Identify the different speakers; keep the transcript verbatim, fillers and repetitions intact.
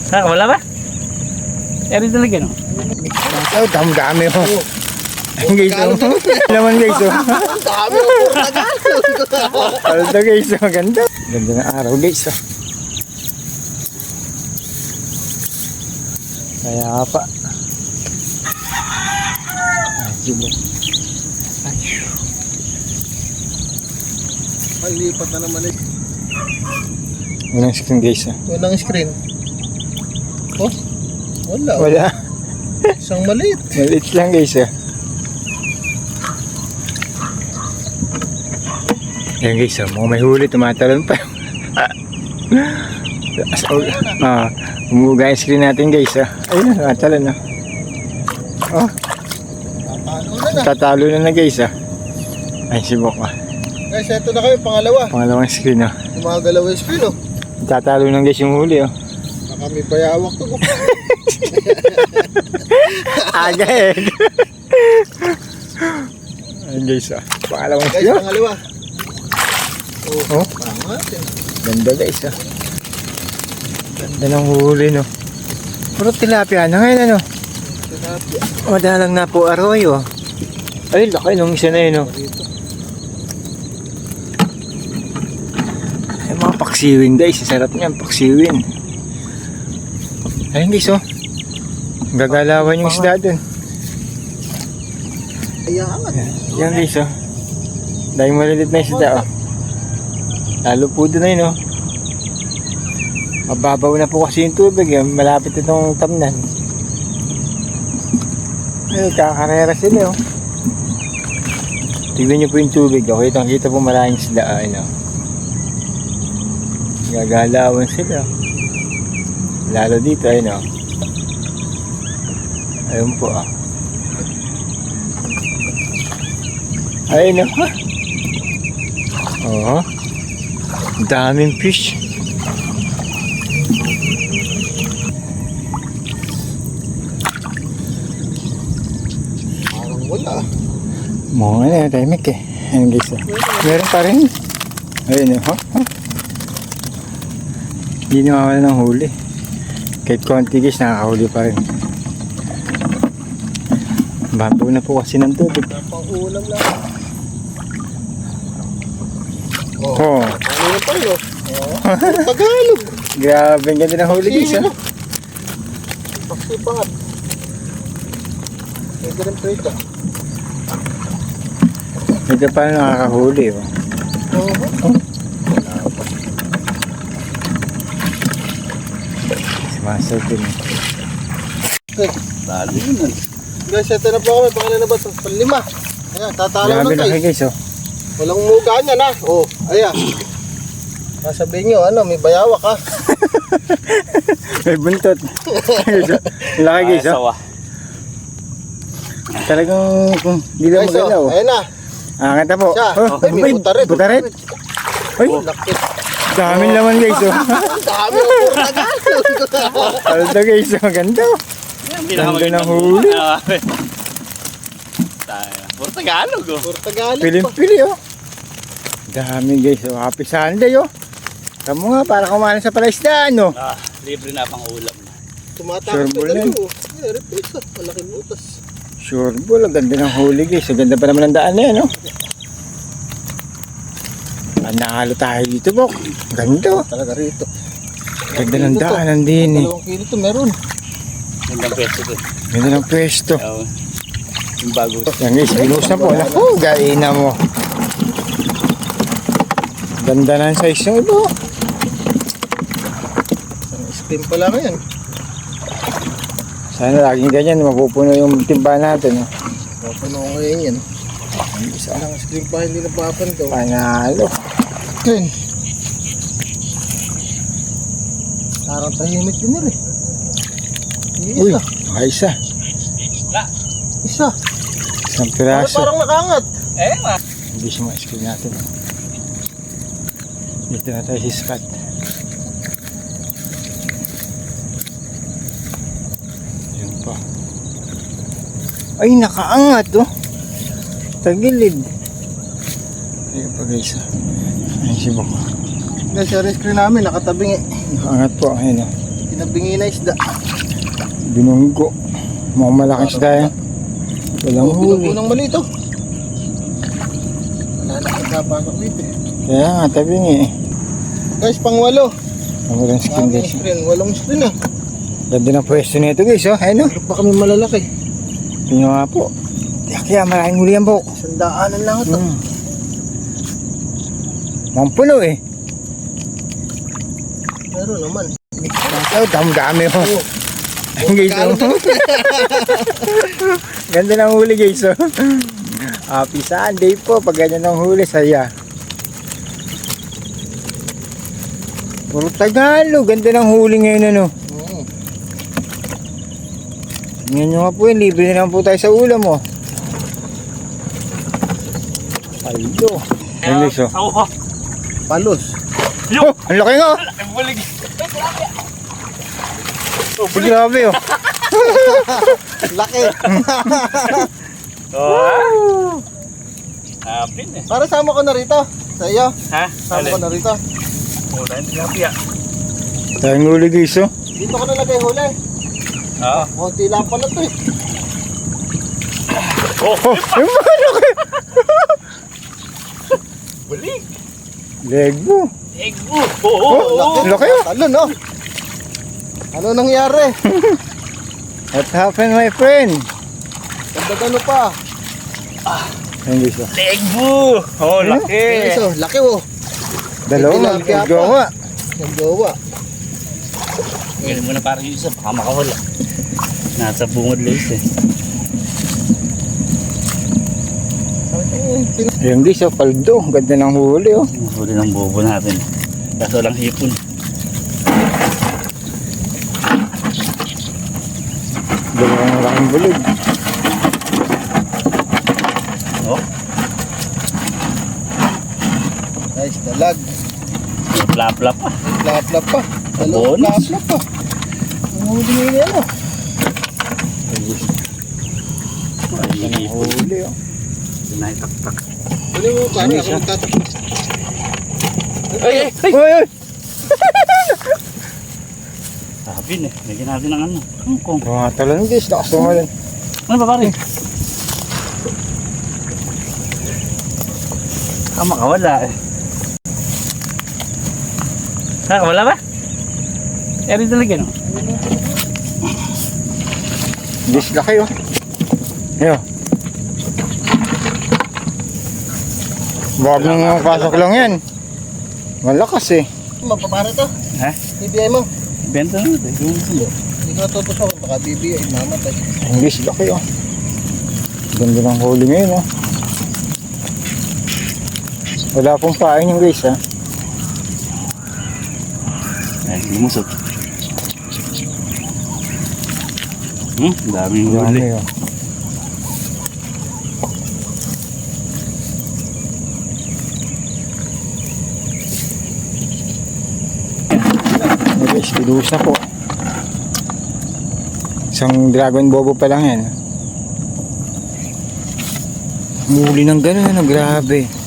Speaker 1: Ha, wala ba? Eri talaga no?
Speaker 2: Oh, dami-dami ho. Ayun guys, oh. Laman guys, oh.
Speaker 3: Dami o puro Tagalog.
Speaker 2: Aldo guys, oh. Ganda. Ganda ng araw guys, oh. Kaya pa. Ay, sige. Ay,
Speaker 3: Ay, lipat na naman eh.
Speaker 2: unang screen guys, oh.
Speaker 3: Walang screen. Oh, wala.
Speaker 2: Wala.
Speaker 3: Isang maliit.
Speaker 2: Maliit lang guys, oh. Ayan guys, oh. Mga may huli, tumatalon pa. Ah, umuga yung screen natin guys, oh. Ayun, tumatalon, oh. Oh,
Speaker 3: Tatalo na na.
Speaker 2: tatalo na na guys, oh. Ay, sibok, oh.
Speaker 3: Guys, eto na kayo, pangalawa.
Speaker 2: Pangalawang screen, oh.
Speaker 3: Gumagalaw yung screen, oh.
Speaker 2: Tatalo na guys yung huli, oh.
Speaker 3: Baka may bayawak to. Oh.
Speaker 2: Aga eh. Ayun guys, oh. Pangalawang
Speaker 3: Guys,
Speaker 2: screen, oh.
Speaker 3: pangalawa. Oh,
Speaker 2: Oh.
Speaker 3: pangat yun.
Speaker 2: Ganda guys, oh. Ganda ng huli, no. Puro tilapia na ngayon, ano.
Speaker 3: Tilapia.
Speaker 2: Madalang na po arroyo. Ay, laki nung isa na yun, oh.
Speaker 3: Dito.
Speaker 2: Ay, mga paksiwin guys, sarap niyan, paksiwin. Ayun guys, oh. Gagalawan yung isda dun.
Speaker 3: Ayangan.
Speaker 2: Yan guys, oh. Dahil malilit na isda, oh. Lalo po dun na yun, oh. Mababaw na po kasi yung tubig, eh. Malapit itong tamnan. Ay, kakarera sila, oh. Tignan nyo po yung tubig, oh. Kitang kita po maraming isda, ah, ano. Gagalawan sila. Lalo dito, ayun, oh. Ayun po, ah. Ayun, oh. Oo. Daming fish.
Speaker 3: Parang wala.
Speaker 2: Mga ano, tahimik eh. Ayun guys, oh. Meron pa rin. Ayun, oh. Oh. Hindi nawawala ng huli. Kahit konti guys, nakakahuli pa rin. Bago na po kasi ng tubig.
Speaker 3: Pang ulam lang. Oh.
Speaker 2: Oh.
Speaker 3: Ano na pa yun, oh. Oh. Tagalog.
Speaker 2: Grabe, ang ganda ng huli guys, oh.
Speaker 3: Paksipangat. Pwede rin prito.
Speaker 2: Ito pa nakakahuli, oh.
Speaker 3: Oo.
Speaker 2: Sumasal din.
Speaker 3: Okay. Talo yun. Guys, ito na po kami. Pangalan na ba ito? Panlima. Ayan, tatalo
Speaker 2: Grabe
Speaker 3: na
Speaker 2: laki
Speaker 3: guys.
Speaker 2: guys, oh.
Speaker 3: Walang muga niya na. Oh, ayan. Sasabihin nyo, ano, may bayawak ha.
Speaker 2: May buntot. Laki guys, oh. Talagang kung hindi lang
Speaker 3: Guys,
Speaker 2: magalaw.
Speaker 3: oh, ayan na.
Speaker 2: Ah, kanta po.
Speaker 3: Siya.
Speaker 2: Oh,
Speaker 3: Ay, may
Speaker 2: ay,
Speaker 3: butaret.
Speaker 2: butaret. Ay,
Speaker 3: Oh, laki.
Speaker 2: daming laman guys, oh.
Speaker 3: Ang dami ang puro Tagalog.
Speaker 2: Aldo guys, oh. Ganda, oh. Ganda ng huli.
Speaker 1: Puro Tagalog oh.
Speaker 3: Puro Tagalog pa.
Speaker 2: Piling-pili, oh. Dami guys, oh. Happy Sunday, oh. Kamu nga, para kumain sa palaisdaan, oh.
Speaker 1: Ah, libre na pang ulam na.
Speaker 3: Tumatakot
Speaker 2: Sure,
Speaker 3: na dalawa. Ay, repeat ka. Malaking butas.
Speaker 2: Sure ball, ang ganda ng huli guys. Ang ganda pa naman ng daan na yan, oh. Ah, nakalo tayo dito, Bok. Ganda, oh.
Speaker 3: Talaga rito.
Speaker 2: Ganda ng daan, nandini.
Speaker 3: Dalawang kilo to meron.
Speaker 1: Gandang pwesto to.
Speaker 2: Ganda ng pwesto.
Speaker 1: Oo. Yung bago.
Speaker 2: Yan guys, binuhos na po. Naku, gaina mo. Ganda na ang size ng iba.
Speaker 3: Spin pala ngayon.
Speaker 2: Sana laging ganyan, mapupuno yung timba natin. Oh.
Speaker 3: Papuno ko ngayon yan. Isa lang screen pa hindi napapan to.
Speaker 2: Panalo.
Speaker 3: Screen. Parang tahimik din nila eh.
Speaker 2: Uy,
Speaker 3: Isa.
Speaker 2: ayos ah.
Speaker 3: Isa.
Speaker 2: Isang
Speaker 3: Parang,
Speaker 2: piraso.
Speaker 3: parang nakangat.
Speaker 1: Eh, ma.
Speaker 2: Hindi siya ma-screen natin. Oh. Dito na tayo sa spot. Yan pa. Ay, nakaangat oh. Tagilid. Ayun pa guys. Ayun si Bok.
Speaker 3: Guys, yung screen namin nakatabing eh.
Speaker 2: Nakaangat po. Ayun oh.
Speaker 3: Pinabingi na isda.
Speaker 2: Binunggo. Mukhang malaking isda yan. Walang
Speaker 3: Oh,
Speaker 2: huli.
Speaker 3: binunggo ng mali ito. Wala na pagkapasok dito eh.
Speaker 2: Kaya nga, tabi nga eh.
Speaker 3: Guys, pang walo.
Speaker 2: Ang walang skin
Speaker 3: Daming
Speaker 2: guys.
Speaker 3: screen. Walong screen ah.
Speaker 2: Ganda ng pwesto nito guys, oh. Ayun, oh.
Speaker 3: Meron pa kami malalaki.
Speaker 2: Tingnan nga po. Kaya maraming huli yan, Bok.
Speaker 3: Sandaanan lang ito.
Speaker 2: Hmm. Mukhang puno eh.
Speaker 3: Meron naman.
Speaker 2: Oh, dami-dami oh.
Speaker 3: Oh.
Speaker 2: Ayun guys, oh. Ganda ng huli guys, oh. Happy Sunday po. Pag ganyan ng huli, saya. Puro Tagalog. Ganda ng huli ngayon, ano.
Speaker 3: Mm.
Speaker 2: Tingnan nyo nga po yun. Libre na lang po tayo sa ulam, oh. Ayun. Ayun guys, oh.
Speaker 1: Ako.
Speaker 3: Palos.
Speaker 2: Oh, ang laki nga, oh.
Speaker 1: Ang bulig.
Speaker 2: Grabe, oh.
Speaker 3: Laki.
Speaker 1: Oh. Hapin eh.
Speaker 3: Para sama ko na rito. Sa iyo.
Speaker 1: Ha?
Speaker 3: Sama ko na rito.
Speaker 1: Wala hindi happy ah.
Speaker 2: Tayong huli guys, oh.
Speaker 3: Dito ko nalagay huli.
Speaker 1: Oo.
Speaker 3: Konti lang pala to eh.
Speaker 1: Oh.
Speaker 2: Oh, yung mga laki.
Speaker 1: Bulig.
Speaker 2: Leg mo.
Speaker 1: Egg. Oh. Oh. Oh.
Speaker 3: Oh,
Speaker 2: laki, oh.
Speaker 3: Talon oh. Ano nangyari?
Speaker 2: What happened, my friend?
Speaker 3: Ganda-gano pa.
Speaker 2: Ayun guys, oh.
Speaker 1: Egg. Oh. Laki.
Speaker 3: Iso, laki oh.
Speaker 2: Dalawa,
Speaker 3: Tilapia pa.
Speaker 2: magjowa.
Speaker 3: Yung jowa.
Speaker 1: Ganun mo na parang yung isa. Baka makawala. Nasa bungod lang isa eh.
Speaker 2: Ayun guys, oh. Paldo. Ganda ng huli, oh.
Speaker 1: Huli ng bobo natin. Kaso lang hipon.
Speaker 2: Dalawang malaking bulig.
Speaker 1: Oh.
Speaker 3: Nice, dalag.
Speaker 1: Plap-plap pa.
Speaker 3: Plap-plap pa. Dalawang
Speaker 1: Bonus.
Speaker 3: plap-plap pa. Ang huli nila ano?
Speaker 2: Ayun guys,
Speaker 1: Hipon.
Speaker 2: huli, oh.
Speaker 1: Sinaitaktak.
Speaker 3: Huli mo pa.
Speaker 2: Nice,
Speaker 3: Ako
Speaker 2: ah.
Speaker 3: nagtatak.
Speaker 1: Ay, ay, ay.
Speaker 2: Uy, uy.
Speaker 1: Hapin eh. Lagyan natin ng ano. Hongkong.
Speaker 2: Mga talon guys, nakasungalan.
Speaker 1: Ano ba pare? Ah, makawala eh. Nakawala ba? Eri talaga no?
Speaker 2: Guys, laki, oh. Ayun. Baka nang pasok lang yan. Malakas eh.
Speaker 3: Mapapara to.
Speaker 1: Ha?
Speaker 3: B B I mo.
Speaker 1: Benta na natin. Yung sundo.
Speaker 3: Hindi ko natutusok. Baka B B I. Mamatay.
Speaker 2: Ang guys, laki, oh. Ganda ng huli ngayon, oh. Wala pong pain yung guys, ha.
Speaker 1: Ay, lumusot. Hmm, daming huli.
Speaker 2: Dami, oh. Ay, guys, pinuhos na po. Isang dragon bobo pa lang yan. Muli ng gano'n, ano, grabe.